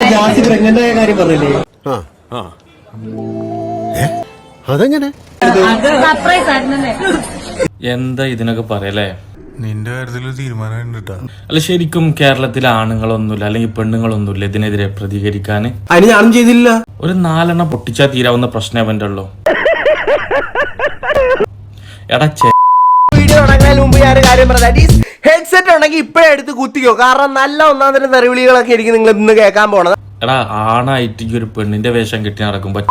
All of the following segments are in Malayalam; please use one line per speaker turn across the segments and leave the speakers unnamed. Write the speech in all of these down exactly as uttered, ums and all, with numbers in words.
എന്താ ഇതിനൊക്കെ പറയല്ലേ?
നിന്റെ കാര്യത്തിൽ തീരുമാനം
അല്ല, ശരിക്കും കേരളത്തിലെ ആണുങ്ങളൊന്നുമില്ല അല്ലെങ്കിൽ പെണ്ണുങ്ങളൊന്നുമില്ല ഇതിനെതിരെ പ്രതികരിക്കാൻ.
അതിന് ഞാനും ചെയ്തില്ല.
ഒരു നാലെണ്ണം പൊട്ടിച്ചാൽ തീരാവുന്ന പ്രശ്നം അവന്റെ ഉള്ളൂ. എടാ,
വീഡിയോ തുടങ്ങുന്നതിന് മുമ്പ് ഞാൻ കാര്യം പറഞ്ഞ ഹെഡ്സെറ്റ് ഉണ്ടെങ്കിൽ ഇപ്പഴേ എടുത്ത് കുത്തിക്കോ. കാരണം നല്ല ഒന്നാം തരം തെറിവിളികളൊക്കെ ആയിരിക്കും നിങ്ങൾ ഇന്ന് കേൾക്കാൻ പോണത്.
എടാ, ആണായിട്ട് ഈ ഒരു പെണ്ണിന്റെ വേഷം കെട്ടി നടക്കുമ്പോ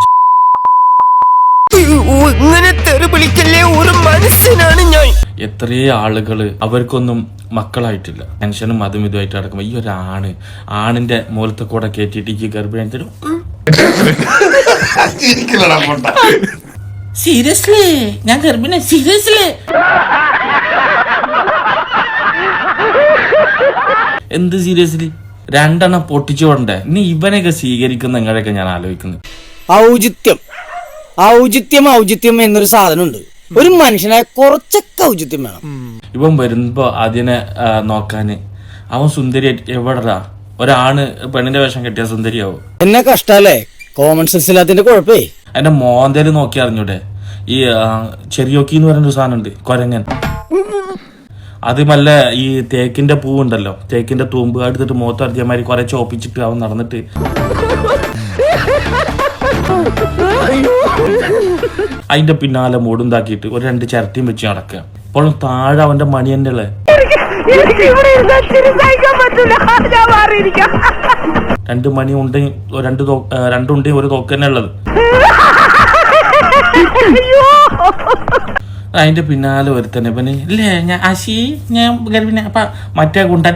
ഇങ്ങനെ തെറിവിളിക്കല്ലേ, ഒരു മനുഷ്യനാണ് ഞാൻ.
എത്രയോ ആളുകള് അവർക്കൊന്നും മക്കളായിട്ടില്ല, ടെൻഷനും അതും ഇതുമായിട്ട് നടക്കുമ്പോ ഈ ഒരു ആണ് ആണിന്റെ മൂലത്തെ കൂടെ കയറ്റിട്ട് ഈ ഗർഭിണി തരും. സീരിയസ്ലി ഞാൻ ഗർഭിണി, സീരിയസ്ലി. എന്ത് സീരിയസ്ലി? രണ്ടെണ്ണം പൊട്ടിച്ചു കൊണ്ടേ ഇനി ഇവനെയൊക്കെ സ്വീകരിക്കുന്ന നിങ്ങളെയൊക്കെ ഞാൻ ആലോചിക്കുന്നത്.
ഔചിത്യം ഔചിത്യം ഔചിത്യം എന്നൊരു സാധനമുണ്ട്. ഒരു മനുഷ്യനായ കുറച്ചൊക്കെ ഔചിത്യം വേണം.
ഇവൻ വരുമ്പോ അതിനെ നോക്കാന് അവൻ സുന്ദരി എവിടാ? ഒരാണ് പെണ്ണിന്റെ വേഷം കെട്ടിയ സുന്ദരിയാവും.
എന്നെ കഷ്ടല്ലേ, കോമൺ സെൻസ് ഇല്ലാത്തതിന്റെ കുഴപ്പേ.
അതിന്റെ മോന്തേല് നോക്കി അറിഞ്ഞൂടെ? ഈ ചെറിയോക്കി എന്ന് പറയുന്ന ഒരു സാധനം ഉണ്ട്, കൊരങ്ങൻ. അത് മല്ല ഈ തേക്കിന്റെ പൂവുണ്ടല്ലോ, തേക്കിന്റെ തൂമ്പ് എടുത്തിട്ട് മുഖത്ത് അടിച്ചമാതിരി കുറെ ചോപ്പിച്ചിട്ട് അവൻ നടന്നിട്ട് അതിന്റെ പിന്നാലെ മൂടുണ്ടാക്കിയിട്ട് ഒരു രണ്ട് ചിരട്ടിയും വെച്ച് നടക്കുക. ഇപ്പോഴും താഴെ അവന്റെ മണി തന്നെ ഉള്ളേ. രണ്ട് മണി ഉണ്ടെങ്കിൽ രണ്ട് രണ്ടുണ്ടെങ്കിൽ ഒരു തോക്ക് തന്നെ ഉള്ളത്. അതിന്റെ പിന്നാലെ ഒരുത്തന്നെ പിന്നെ ഇല്ലേ ഞാൻ ആശി ഞാൻ ഗർഭിണി അപ്പ മറ്റേ കുണ്ടൻ.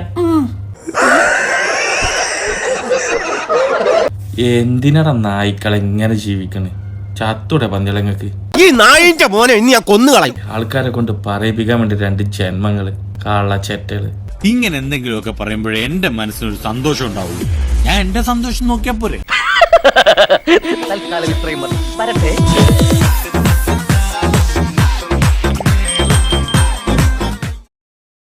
എന്തിനടാ നായ്ക്കളെ ഇങ്ങനെ ജീവിക്കണേ? ചത്തൂടെ പന്തിളങ്ങക്ക്.
ഈ നായിന്റെ മോനെ ഇനി ഞാൻ കൊന്നുകളയും.
ആൾക്കാരെ കൊണ്ട് പറയിപ്പിക്കാൻ വേണ്ടി രണ്ട് ജന്മങ്ങള്, കാള ചെറ്റകള്.
ഇങ്ങനെ എന്തെങ്കിലുമൊക്കെ പറയുമ്പോഴേ എന്റെ മനസ്സിനൊരു സന്തോഷം ഉണ്ടാവുള്ളൂ. ഞാൻ എന്റെ സന്തോഷം നോക്കിയാ പോരെ.
തൽക്കാലം ഇത്രയും മതി.